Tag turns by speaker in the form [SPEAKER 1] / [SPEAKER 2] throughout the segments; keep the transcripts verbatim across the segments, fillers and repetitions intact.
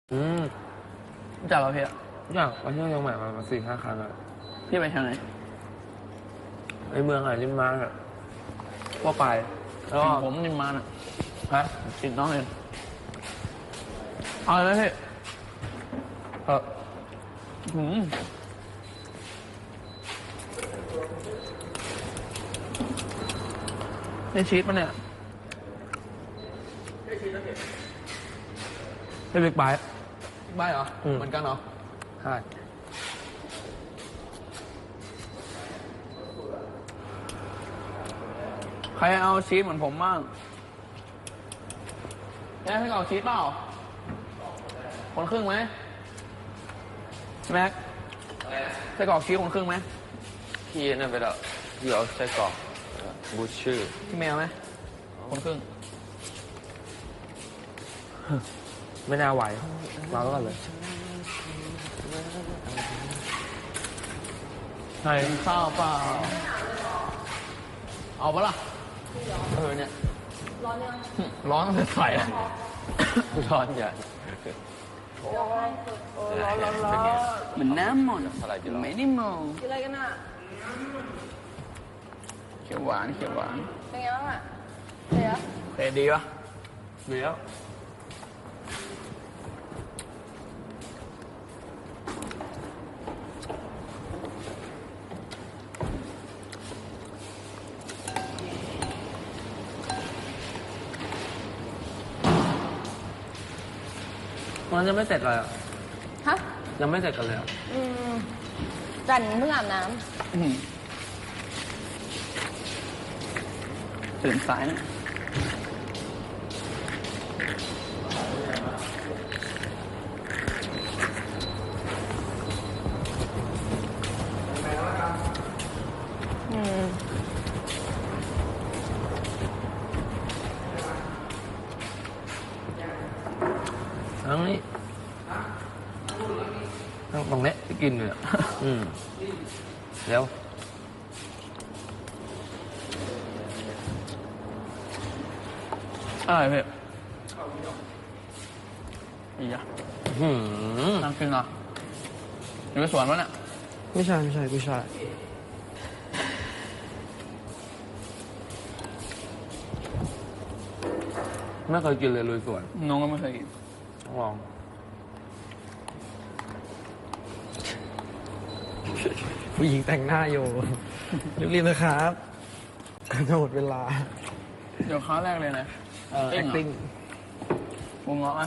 [SPEAKER 1] อืม
[SPEAKER 2] รู้จักเราพี่อะ
[SPEAKER 1] อยากไปเที่ยวเชียงใหม่มาสี่ห้าครั้งแล้ว
[SPEAKER 2] พี่ไปทางไหน
[SPEAKER 1] ในเมืองอะไรริมน้ำอ่ะก็ไปแล้วก็
[SPEAKER 2] ผมนิมมานอ่ะ
[SPEAKER 1] ฮะ
[SPEAKER 2] ติดน้องเองเอาเลยไหมพี่
[SPEAKER 1] เออ
[SPEAKER 2] หืมได้ชีสปะเนี่ยได้ชีสแล้วเห็นได้บิ๊กไบค์บิ๊กไบค์เหรอเหมือนกันเหรอ
[SPEAKER 1] ใช่
[SPEAKER 2] ใครเอาชีสเหมือนผมบ้างแม่ให้เอาชีสเปล่าคนครึ่งไหมแม็กใส่กรอกชีสคนครึ่งไหม
[SPEAKER 1] พี่นั่นไปแล้วพี่เอาไส้กรอกบูชชื่อ
[SPEAKER 2] พี่แมวไหมคนครึ่ง
[SPEAKER 1] ไม่น่าไหวมาแล้วกันเลย
[SPEAKER 2] ใช่ข้าวเปล่าเอาปะล่ะเออเนี่ยร้อนยังร้อนจะใส่อะ
[SPEAKER 1] ร้อนอย่า
[SPEAKER 2] ร้อนร้อนร้อนเหมือนน้ำหมดไม่ได้มอง
[SPEAKER 3] กินอะไรกันอ่ะ
[SPEAKER 2] เขียวหวานเขียวหวาน
[SPEAKER 3] เป็นไงบ้างอ่ะเดี๋ยว
[SPEAKER 2] เผ็ดดีปะ
[SPEAKER 1] ดีแล้วมันยังไม่เสร็จเลยอ่ะ
[SPEAKER 3] ฮะ
[SPEAKER 1] ยังไม่เสร็จกันเลยอ่ะ
[SPEAKER 3] อืมจันเพิ่งอาบน้
[SPEAKER 2] ตื่นสายนะ
[SPEAKER 3] ำอืม
[SPEAKER 1] ทั้งนี้ทั้งตรงนี้ที่กินเลยอ่ะอืมเดี๋ยว
[SPEAKER 2] อะไรเพื่อนอีอะ
[SPEAKER 1] หืม
[SPEAKER 2] นั่งกินเหรออยู่ในสวนวะเนี่ย
[SPEAKER 1] ไม่ใช่ไม่ใช่ไม่ใช่ไม่เคยกินเลยลุยสวน
[SPEAKER 2] น้องก็ไม่เคยกิน
[SPEAKER 1] ต้องลองผู้หญิงแต่งหน้าอยู่รีบๆนะครับจะหมดเวลา
[SPEAKER 2] เดี๋ยวค้าแรกเลยนะ
[SPEAKER 1] เออ acting
[SPEAKER 2] วงเงาะอ่ะ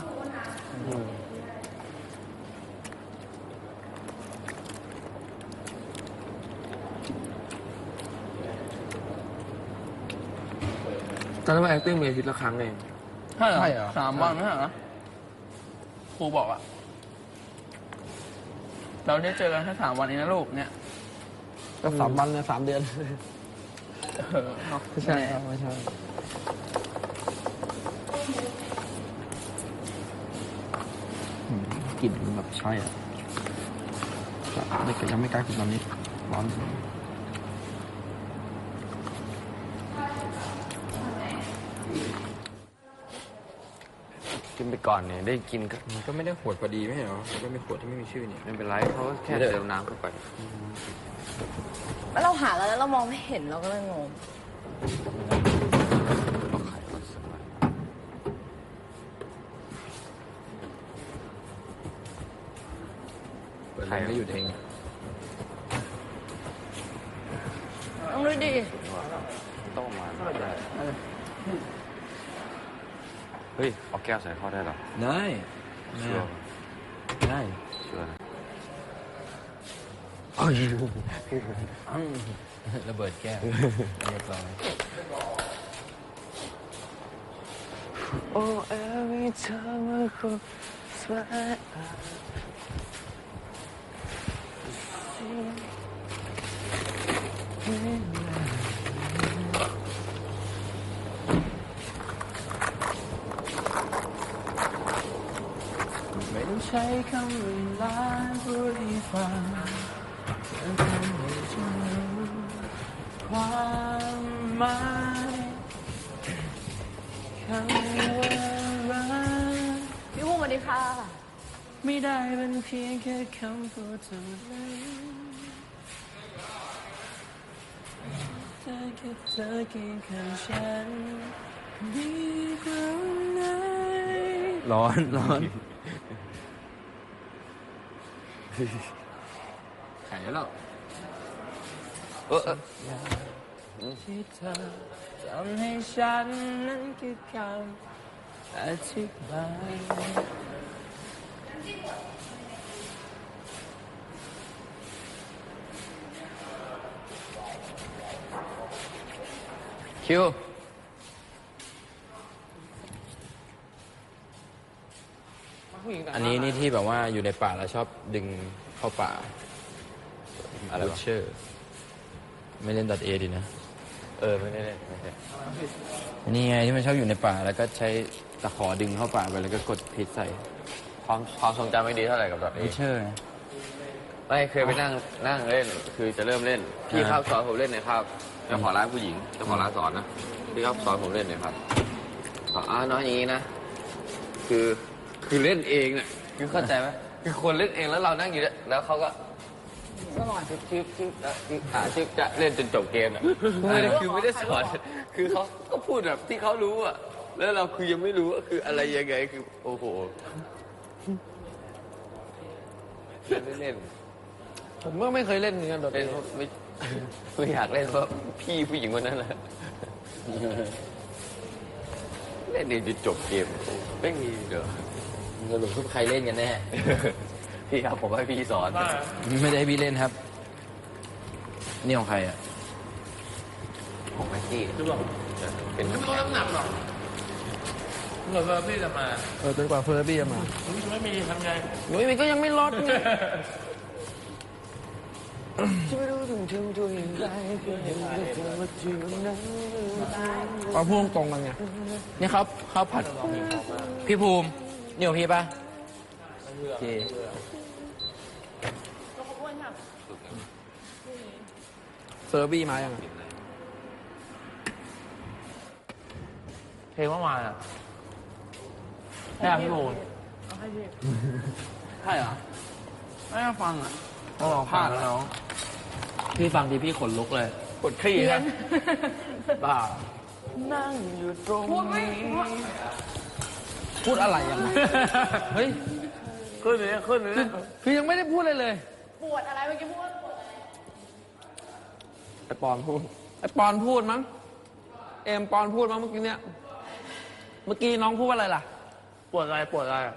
[SPEAKER 1] ตอนนั้นมา acting มีอาทิตย์ละครั้งเอง
[SPEAKER 2] ใช่เหรอสามวันไม่ใช่เหรอครูบอกอ่ะเราได้เจอกันแค่สามวันเองนะลูกเนี่ย
[SPEAKER 1] ก็สามวันเนี่ยสามเดือน
[SPEAKER 2] เออ
[SPEAKER 1] ไม่ใช่ครับไม่ใช่กลิ่นมันแบบใช่อ่ะไม่เคยยังไม่กล้ากินตอนนี้ร้อนกินไปก่อนเนี่ยได้กินก็
[SPEAKER 4] มันก็ไม่ได้ขวดพอดีไม่ใช่เหรอมันก็มีขวดที่ไม่มีชื่อนี่
[SPEAKER 1] ไม่เป็นไรเขาแค่เติมน้ำเข้าไป
[SPEAKER 3] แล้วเราหาแล้วเรามองไม่เห็นเราก็เลยงง
[SPEAKER 4] เปิดไฟก็หยุดเอง
[SPEAKER 3] ต้องดูดิ
[SPEAKER 1] ต้องมาได้เฮ้ยเอาแก้วใส่เข้าได้หรอ
[SPEAKER 4] ได้
[SPEAKER 1] ชัวร์
[SPEAKER 4] ได้
[SPEAKER 1] ชัวร์นะ
[SPEAKER 4] ระเบิดแก้วเรียบร้อย
[SPEAKER 1] Oh every time I close my eyes
[SPEAKER 2] ไม่ต้องใช้คำว่าลาพูดให้ฟังจะทำให้ฉันรู้ความหมายคำว่ารัก
[SPEAKER 3] พี่พุ่งมาดิค่ะ
[SPEAKER 2] ไม่ได้เป็นเพียงแค่คำพูดเท่านั้นเธอแค่เธอเคียงข้างฉันดีกว่าไหน
[SPEAKER 4] ร้อนร้อนแข็งแล้วเออ
[SPEAKER 2] ที่เธอทำให้ฉันนั้นคือคำอธิบาย
[SPEAKER 4] คิว
[SPEAKER 1] ผู้หญิงแต่งห
[SPEAKER 4] อันนี้นี่ที่แบบว่าอยู่ในป่าแล้วชอบดึงเข้าป่าอะไรวะเชอร์ไม่เล่นดัดเอดีนะ
[SPEAKER 5] เออไม่ได้เล่นไม่ใช่
[SPEAKER 4] นี่ไงที่มันชอบอยู่ในป่าแล้วก็ใช้ตะขอดึงเข้าป่าไปแล้วก็กดพิษใส่
[SPEAKER 5] ความความทรงจำไม่ดีเท่าไหร่กับดอทเอ
[SPEAKER 4] วิเชอร์
[SPEAKER 5] ไม่เคยไปนั่งนั่งเล่นคือจะเริ่มเล่นพี่
[SPEAKER 4] อ่า
[SPEAKER 5] ครับสอนผมเล่นหน่อยครับเจ้าของร้านผู้หญิงเจ้าของร้านสอนนะพี่ครับสอนผมเล่นหน่อยครับบอกอ้าวน้อยอย่างนี้นะคือคือเล่นเองเนี่ยคือเข้าใจไหมคือคนเล่นเองแล้วเรานั่งอยู่เนี่ยแล้วเขาก็สอนชิปชิปชิปชิปอ่าชิปจะเล่นจนจบเกมอ่ะไม่ได้คือไม่ได้สอนคือเขาก็พูดแบบที่เขารู้อ่ะแล้วเราคือยังไม่รู้ว่าคืออะไรยังไงคือโอ้โหไม่เล่น
[SPEAKER 1] ผมก็ไม่เคยเล่นเหมือนกันโดด
[SPEAKER 5] เล่นไม่ไม่อยากเล่นเพราะพี่ผู้หญิงคนนั้นแหละเล่นเองจนจบเกมไม่มีเดี๋ยว
[SPEAKER 4] สรุปทุกใครเล่นกันแน่
[SPEAKER 5] พี่ครับผมให้พี่สอน
[SPEAKER 4] ไม่ได้ให้พี่เล่นครับ นี่ของใครอ่ะ
[SPEAKER 5] ของแม็กกี้
[SPEAKER 2] ดูบอก
[SPEAKER 5] เป็น
[SPEAKER 2] ไม่ต้องน้ำหนักหรอกเผื่อพี่จะมา
[SPEAKER 1] เออจนกว่าเฟอร์บี้จะมา
[SPEAKER 2] ไม่มีทำไง
[SPEAKER 1] หนุ่ยมันก็ยังไม่ลดไง เอาพูดตรงๆกันไง
[SPEAKER 4] นี่เขาเขาผัด พี่ภูมินี่ของพี่ปะโอเค
[SPEAKER 1] เฟอร์บี้มายังอะ
[SPEAKER 2] เพลงเมื่อวานอ่ะใช่พี่โบน
[SPEAKER 1] ใช่เหรอ
[SPEAKER 2] ไม่ได้ฟังอ่ะ
[SPEAKER 1] ต้องลองผ่านแล้วน้อง
[SPEAKER 2] พี่ฟังทีพี่ขนลุกเลย
[SPEAKER 1] กดคลี่ครับบ้า
[SPEAKER 2] นั่งอยู่ตรงนี้
[SPEAKER 1] พูดอะไรยังเฮ้ย
[SPEAKER 2] ขึ้นเลยขึ้นเลย
[SPEAKER 1] คือยังไม่ได้พูดเลยเลย
[SPEAKER 3] ปวดอะไรเมื่อกี้พูดว่าปวดอะไร
[SPEAKER 1] ไอปอนพูด ไอปอนพูดมั้ง เอมปอนพูดมั้งเมื่อกี้เนี่ย เมื่อกี้น้องพูดว่าอะไรล่ะ
[SPEAKER 2] ปวดอะไรปวดอะไร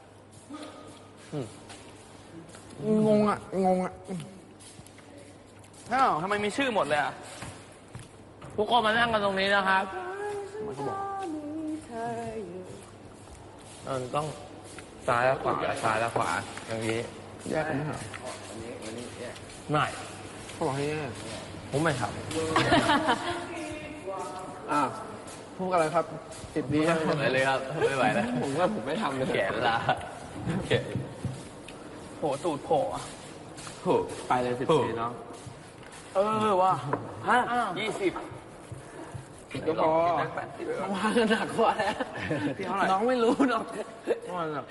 [SPEAKER 1] งงอ่ะ งงอ่ะ
[SPEAKER 2] อ้าวทำไมมีชื่อหมดเลยอ่ะ ทุกคนมานั่งกันตรงนี้นะครับ
[SPEAKER 1] มันก็บอก
[SPEAKER 2] เออต้องซ้ายและขวาซ้ายและขวาอย่างนี้
[SPEAKER 1] แยกกันไหมครับ
[SPEAKER 2] ไม่
[SPEAKER 1] เขาบอกให้แยก
[SPEAKER 2] ผมไม่ท
[SPEAKER 1] อ่าพูดอะไรครับติดดีครับ
[SPEAKER 5] ไปเลยครับไม่ไหวแล้ว
[SPEAKER 1] ผมว่าผมไม่ทำเลย
[SPEAKER 5] แขนลาแขน
[SPEAKER 2] ำโผล่ตูดโผล่อะ
[SPEAKER 5] โอ้
[SPEAKER 1] ไปเลยสิบปีน้อง
[SPEAKER 2] เออว่ะฮะ
[SPEAKER 5] ยี่สิบ
[SPEAKER 1] ก็พอวางกันหนักกว่าแล้วน้องไม่รู้หรอก
[SPEAKER 2] มันแบบ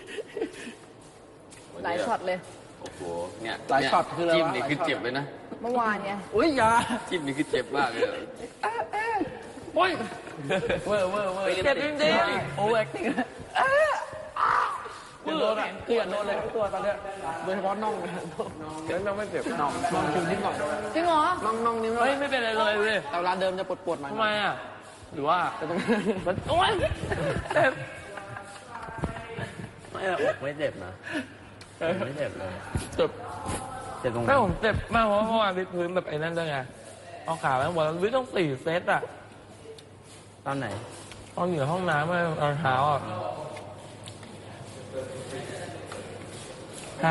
[SPEAKER 3] หลายช็อตเลย
[SPEAKER 5] โอ้โหเนี่ย
[SPEAKER 1] หลายช็อตคืออะไร
[SPEAKER 5] จิ้ม
[SPEAKER 1] วะ
[SPEAKER 5] นี่คือเจ็บเลยนะ
[SPEAKER 3] เมื่อวานไง
[SPEAKER 1] อุ้ยอยา
[SPEAKER 5] จิ้มนี่คือเจ็บมากเลย
[SPEAKER 2] โอ้ย
[SPEAKER 5] เวอร์เวอร์เวอร์
[SPEAKER 2] เจ็บจริงๆ
[SPEAKER 1] โอเวอร์แอคติ้งคือโดนอ่ะคืออย่าโดนเลยทุกตัวตอนเนี้ยโดยเฉพาะน่องนะ
[SPEAKER 5] เจ็บน้องไม่เจ็บ
[SPEAKER 1] น่องน่องคิวนิดหน่อย
[SPEAKER 3] จริงเหรอ
[SPEAKER 1] น่องน่องนี่
[SPEAKER 2] เฮ้ยไม่เป็นไรเลยเว้ย
[SPEAKER 1] แต่เวลาเดิมจะปวดปวดๆหน่อย
[SPEAKER 2] ทำไมอ่ะ หรือว่า
[SPEAKER 1] แต่ตรง
[SPEAKER 2] มันโอ้ยเจ็บ
[SPEAKER 5] ไม่อกไม่เจ็บนะไม่เจ็บเลย
[SPEAKER 2] เจ็บ
[SPEAKER 5] เจ็บตรงไหน
[SPEAKER 2] ไม่ผมเจ็บมากเพราะว่าเมื่อวานวิดพื้นแบบไอ้นั่นด้วยไงเอาขาแล้ววันวิดต้องสี่เซตอ่ะ
[SPEAKER 5] ตอนไหน
[SPEAKER 2] ตอนอยู่ในห้องน้ำเมื่อตอนเช้าอ่ะใคร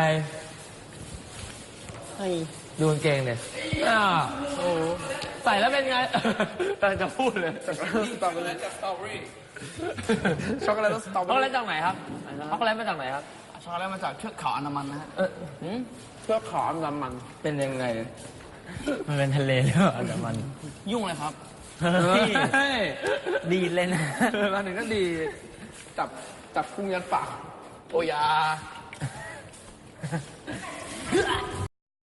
[SPEAKER 2] ดูกางเกงเนี่ยอ่าโอ้ใส่แล้วเป็นไง แต่จะพูดเลย
[SPEAKER 1] สตรอเบอรี่สตรอเบอรี่ช็อกโกแลตสตรอเบ
[SPEAKER 2] ช็
[SPEAKER 1] อ
[SPEAKER 2] อกโกแล
[SPEAKER 1] รี่
[SPEAKER 2] ตจากไหนครับช็อกโกแลตมาจากไหนครับ
[SPEAKER 1] ช็อกโกแลตมาจากเชือกเขาอันดามันนะฮะ
[SPEAKER 2] เออหืม
[SPEAKER 1] เชือกเขาอันดามัน
[SPEAKER 2] เป็นยังไง มันเป็นทะเลหรือเปล่าแต่มัน
[SPEAKER 1] ยุ่งเลยครับ
[SPEAKER 2] เฮ้ยดีเลย นะ
[SPEAKER 1] มาถึงก็ดีจับจับพุงยันปากโอยา
[SPEAKER 2] นะ